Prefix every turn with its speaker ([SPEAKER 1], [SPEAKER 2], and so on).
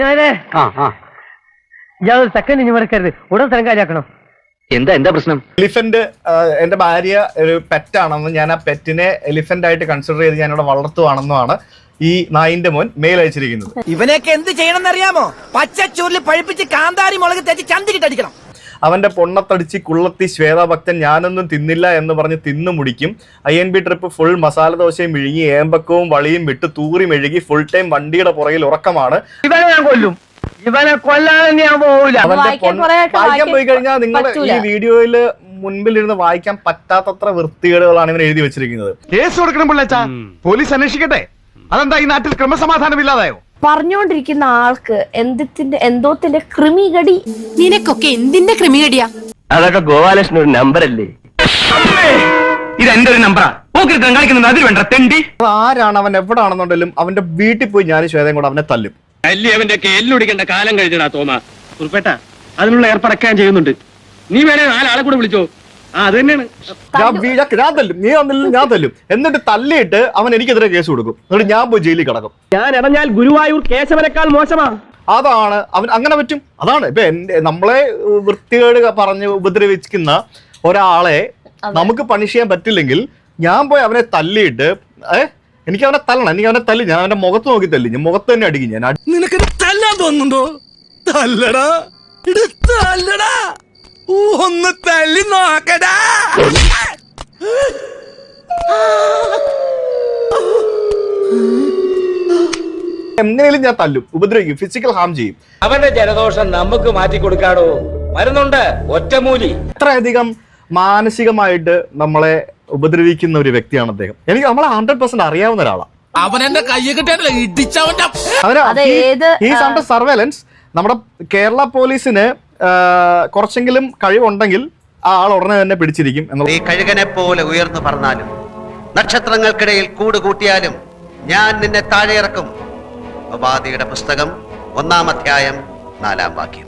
[SPEAKER 1] ഇയാൾ സെക്കൻഡ് ഇനി മറക്കരുത്, ഉടൻ സ്ഥലം കാര്യമാക്കണം.
[SPEAKER 2] എന്താ പ്രശ്നം?
[SPEAKER 3] എലിഫന്റ് എന്റെ ഭാര്യ ഒരു പെറ്റാണെന്ന്, ഞാൻ ആ പെറ്റിനെ എലിഫന്റ് ആയിട്ട് കൺസിഡർ ചെയ്ത് ഞാനിവിടെ വളർത്തുവാണെന്നുമാണ് ഈ നായിന്റെ മോൻ മെയിൽ അയച്ചിരിക്കുന്നത്.
[SPEAKER 4] ഇവനെയൊക്കെ എന്ത് ചെയ്യണമെന്ന് അറിയാമോ? പച്ചച്ചൂരിൽ പഴിപ്പിച്ച് കാന്താരി മുളക് തേച്ച് ചന്തിക്കിട്ടടിക്കണം.
[SPEAKER 3] അവന്റെ പൊണ്ണത്തടിച്ച് കുള്ളത്തി ശ്വേതാഭക്തൻ ഞാനൊന്നും തിന്നില്ല എന്ന് പറഞ്ഞ് തിന്നു മുടിക്കും. INB ട്രിപ്പ് ഫുൾ മസാല ദോശയും വിഴുങ്ങി ഏമ്പക്കവും വളിയും വിട്ട് തൂറി മെഴുകി ഫുൾ ടൈം വണ്ടിയുടെ പുറകിൽ ഉറക്കമാണ്.
[SPEAKER 1] ഇവനെ ഞാൻ കൊല്ലും, ഇവനെ കൊല്ലാതെ ഞാൻ പോവില്ല.
[SPEAKER 3] വായിക്കാൻ പോയി കഴിഞ്ഞാൽ നിങ്ങൾ ഈ വീഡിയോയില് മുൻപിലിരുന്ന് വായിക്കാൻ പറ്റാത്തത്ര വൃത്തികേടുകളാണ് ഇവൻ എഴുതി വെച്ചിരിക്കുന്നത്.
[SPEAKER 5] കേസ് കൊടുക്കണം പിള്ളേച്ചാ, പോലീസ് അന്വേഷിക്കട്ടെ. അതെന്താ ഈ നാട്ടിൽ ക്രമസമാധാനം ഇല്ലാതായോ?
[SPEAKER 6] പറഞ്ഞോണ്ടിരിക്കുന്ന ആൾക്ക് എന്തോത്തിന്റെ ക്രിമികടി.
[SPEAKER 7] നിനക്കൊക്കെ എന്തിന്റെ ക്രിമികടിയാ?
[SPEAKER 2] അതൊക്കെ ഗോപാലകൃഷ്ണൻ ഒരു നമ്പർ അല്ലേ? ഇത് എന്റെ ഒരു നമ്പറാ. അതിൽ വേണ്ട തെണ്ടി.
[SPEAKER 3] ആരാണ് അവൻ എവിടാണെന്നുണ്ടെങ്കിലും അവന്റെ വീട്ടിൽ പോയി ഞാൻ ശ്വേതയും കൂടെ അവനെ തല്ലും.
[SPEAKER 2] അവന്റെ ഒക്കെ എല്ലുടിക്കേണ്ട കാലം കഴിഞ്ഞടാ തോമാ. ഉൾപ്പെട്ട അതിനുള്ള ഏർപ്പാടൊക്കെ ഞാൻ ചെയ്യുന്നുണ്ട്. നീ വേണേ 4 ആളെ കൂടെ വിളിച്ചോ. അത് തന്നെയാണ്
[SPEAKER 3] ഞാൻ തല്ലും, നീ തന്നില്ല ഞാൻ തല്ലും. എന്നിട്ട് തല്ലിയിട്ട് അവൻ എനിക്കെതിരെ കേസ് കൊടുക്കും. എന്നിട്ട് ഞാൻ പോയി ജയിലിൽ കിടക്കും.
[SPEAKER 1] ഞാൻ ഇറങ്ങാൽ ഗുരുവായൂർ കേശവനേക്കാൾ മോശമാ.
[SPEAKER 3] അതാണ് അവൻ അങ്ങനെ പറ്റും. അതാണ് ഇപ്പൊ നമ്മളെ വൃത്തികേട് പറഞ്ഞ് ഉപദ്രവിക്കുന്ന ഒരാളെ നമുക്ക് പണിഷ് ചെയ്യാൻ പറ്റില്ലെങ്കിൽ ഞാൻ പോയി അവനെ തല്ലിയിട്ട് എനിക്ക് അവനെ തല്ലണം, എനിക്ക് അവനെ തല്ലി, ഞാൻ അവന്റെ മുഖത്ത് നോക്കി തല്ലി, ഞാൻ മുഖത്ത് തന്നെ അടിക്കും. ഞാൻ
[SPEAKER 4] നിനക്ക് തല്ലാൻ തോന്നുന്നുണ്ടോ? തല്ലടാ, തല്ലടാ, ഒന്ന് തല്ലി നോക്കടാ.
[SPEAKER 3] എങ്ങനെയും ഞാൻ തല്ലും, ഉപദ്രവിക്കും, ഫിസിക്കൽ ഹാം ചെയ്യും.
[SPEAKER 8] അവന്റെ ജലദോഷം നമുക്ക് മാറ്റി കൊടുക്കാടോ, മരുന്നുണ്ട്, ഒറ്റമൂലി.
[SPEAKER 3] അത്രയധികം മാനസികമായിട്ട് നമ്മളെ ഉപദ്രവിക്കുന്ന ഒരു വ്യക്തിയാണ് അദ്ദേഹം. എനിക്ക് നമ്മളെ 100% അറിയാവുന്ന ഒരാളാണ്.
[SPEAKER 4] അവനെന്റെ കയ്യെ കിട്ടിയാണല്ലോ ഇടിച്ചവന്റെ
[SPEAKER 3] സർവേലൻസ്. നമ്മുടെ കേരള പോലീസിന് കുറച്ചെങ്കിലും കഴിവുണ്ടെങ്കിൽ ആ ആൾ ഉടനെ തന്നെ പിടിച്ചിരിക്കും.
[SPEAKER 9] ഈ കഴുകനെ പോലെ ഉയർന്നു പറഞ്ഞാലും നക്ഷത്രങ്ങൾക്കിടയിൽ കൂട് കൂട്ടിയാലും ഞാൻ നിന്നെ താഴെ ഇറക്കും. പ്രവാദിയുടെ പുസ്തകം 1-ാം അധ്യായം 4-ാം വാക്യം.